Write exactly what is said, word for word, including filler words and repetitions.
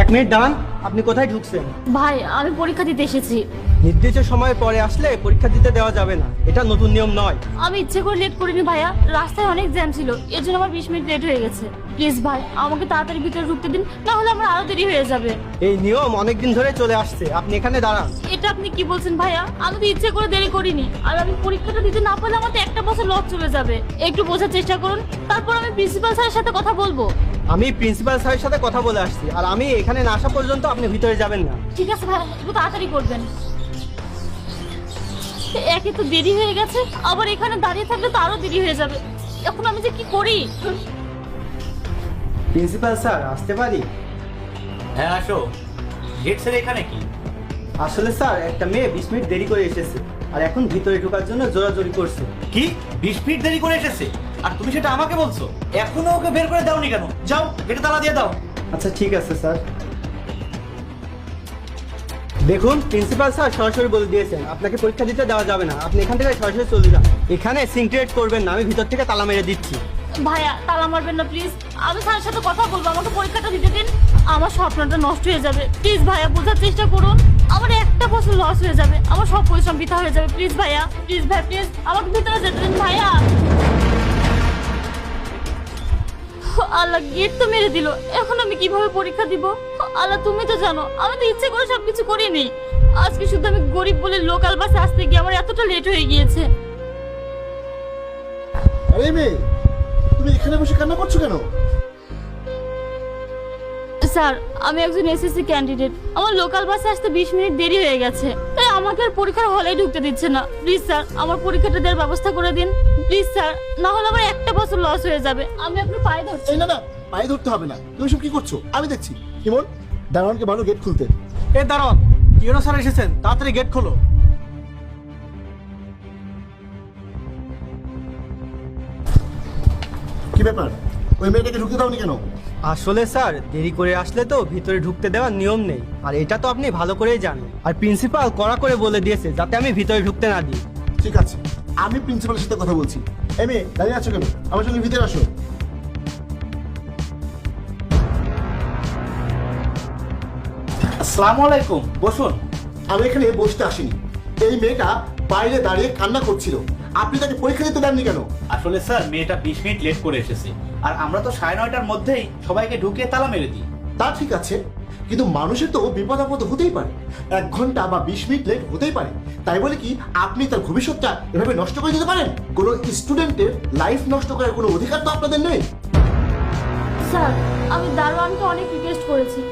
Minute দাঁড়ান, আপনি কোথায় ঢুকছেন? ভাই আমি পরীক্ষা দিতে এসেছি। নির্দিষ্ট সময় পরে আসলে পরীক্ষা দিতে দেওয়া যাবে না, এটা নতুন নিয়ম নয়। আমি ইচ্ছে করে লেট করিনি ভাইয়া, রাস্তায় অনেক জ্যাম ছিল, এর জন্য আমার বিশ মিনিট লেট হয়ে গেছে। প্লিজ ভাই আমাকে তাড়াতাড়ি ভিতরে ঢুকতে দিন, না হলে আমার আরো দেরি হয়ে যাবে। এই নিয়ম অনেকদিন ধরে চলে আসছে, আপনি এখানে দাঁড়ান। এটা আপনি কি বলছেন ভাইয়া? আমি তো ইচ্ছে করে দেরি করিনি, আর আমি পরীক্ষাটা দিতে না পারলে আমার তো একটা বছর লস চলে যাবে। একটু বোঝার চেষ্টা করুন, তারপর আমি প্রিন্সিপাল স্যারের সাথে কথা বলবো। আমি প্রিন্সিপাল স্যারের সাথে কথা বলে আসছি, আর আমি এখানে না আসা পর্যন্ত আপনি ভিতরে যাবেন না। ঠিক আছে ভাই, একটু তাড়াতাড়ি করবেন। একে তো দেরি হয়ে গেছে, আবার এখানে দাঁড়িয়ে থাকলে তো আরো দেরি হয়ে যাবে। এখন আমি যে কি করি? প্রিন্সিপাল স্যার, আসতে পারি? হ্যাঁ আসো। গেট স্যার এখানে কি? আসলে স্যার, একটা মেয়ে বিশ মিনিট দেরি করে এসেছে, আর এখন ভিতরে ঢোকার জন্য জোরাজোরি করছে। কি বিশ মিনিট দেরি করে এসেছে, আর তুমি সেটা আমাকে বলছো? এখনো ওকে বের করে দাওনি কেন? যাও গেটে তালা দিয়ে দাও। আচ্ছা ঠিক আছে স্যার। দেখুন, প্রিন্সিপাল স্যার সরাসরি বলে দিয়েছেন আপনাকে পরীক্ষা দিতে দেওয়া যাবে না, আপনি এখান থেকে সরাসরি চলে যান। এখানে সিনক্রিয়েট করবেন না, আমি ভিতর থেকে তালা মেরে দিচ্ছি। ভাইয়া তালা মারবেন না প্লিজ, আমি স্যারের সাথে কথা বলবো, আমাকে পরীক্ষাটা দিতে দিন। আমার স্বপ্নটা নষ্ট হয়ে যাবে, প্লিজ ভাইয়া বোঝার চেষ্টা করুন। আমার একটা বছর লস হয়ে যাবে, আমার সব পরিশ্রম বৃথা হয়ে যাবে। প্লিজ ভাইয়া, প্লিজ ভাই, প্লিজ আমাকে ভিতরে যেতে দিন ভাইয়া। আল্লাহ, গেট তো মেরে দিল, এখন আমি কিভাবে পরীক্ষা দিব? আল্লাহ তুমি তো জানো, আমি তো ইচ্ছে করে সবকিছু করিনি। আজকে শুধু আমি গরিব বলে লোকাল বাসে আসতে গিয়ে আমার এতটা লেট হয়ে গিয়েছে। আরে মেয়ে, তুমি এখানে বসে কান্না করছো কেন? স্যার আমি একজন এসএসসি ক্যান্ডিডেট, আমার লোকাল বাসে আসতে বিশ মিনিট দেরি হয়ে গেছে, তাই আমাকে আর পরীক্ষার হলেই ঢুকতে দিচ্ছে না। প্লিজ স্যার আমার পরীক্ষাটা দেওয়ার ব্যবস্থা করে দিন প্লিজ স্যার, না হলে আমার একটা বছর লস হয়ে যাবে। আমি আপনার পায়ে ধরছি। এই না না, পায়ে ধরতে হবে না। তুমি সব কি করছো? আমি দেখছি। ইমন, দারোয়ানকে ভালো গেট খুলতে। এ দাঁড়ান, ইউনো স্যার এসেছেন, তাড়াতাড়ি গেট খোলো। কি ব্যাপার, ওই মেয়েটাকে ঢুকতে দাওনি কেন? আসলে স্যার, দেরি করে আসলে তো ভিতরে ঢুকতে দেওয়ার নিয়ম নেই, আর এটা তো আপনি ভালো করেই জানেন। আর প্রিন্সিপাল কড়া করে বলে দিয়েছে যাতে আমি ভিতরে ঢুকতে না দিই। ঠিক আছে, আমি প্রিন্সিপালের সাথে কথা বলছি। এই মেয়ে, দাঁড়িয়ে আছো কেন? আমার সঙ্গে ভিতরে আসো। আসসালামু আলাইকুম, বসুন। আমি এখানে বসতে আসিনি। এই মেয়েটা বাইরে দাঁড়িয়ে কান্না করছিল, আপনি তাকে পরীক্ষা দিতে দেননি কেন? আসলে স্যার মেয়েটা বিশ মিনিট লেট করে এসেছে, আর আমরা তো সাড়ে নয়টার মধ্যেই সবাইকে ঢুকিয়ে তালা মেরে দিই। তা ঠিক আছে, কিন্তু মানুষের তো বিপদ আপদ হতেই পারে। এক ঘন্টা বা বিশ মিনিট লেট হতেই পারে, তাই বলে কি আপনি তার ভবিষ্যৎটা এভাবে নষ্ট করে দিতে পারেন? কোনো স্টুডেন্টের লাইফ নষ্ট করার কোনো অধিকার তো আপনাদের নেই। স্যার আমি দারোয়ানকে অনেক রিকোয়েস্ট করেছি,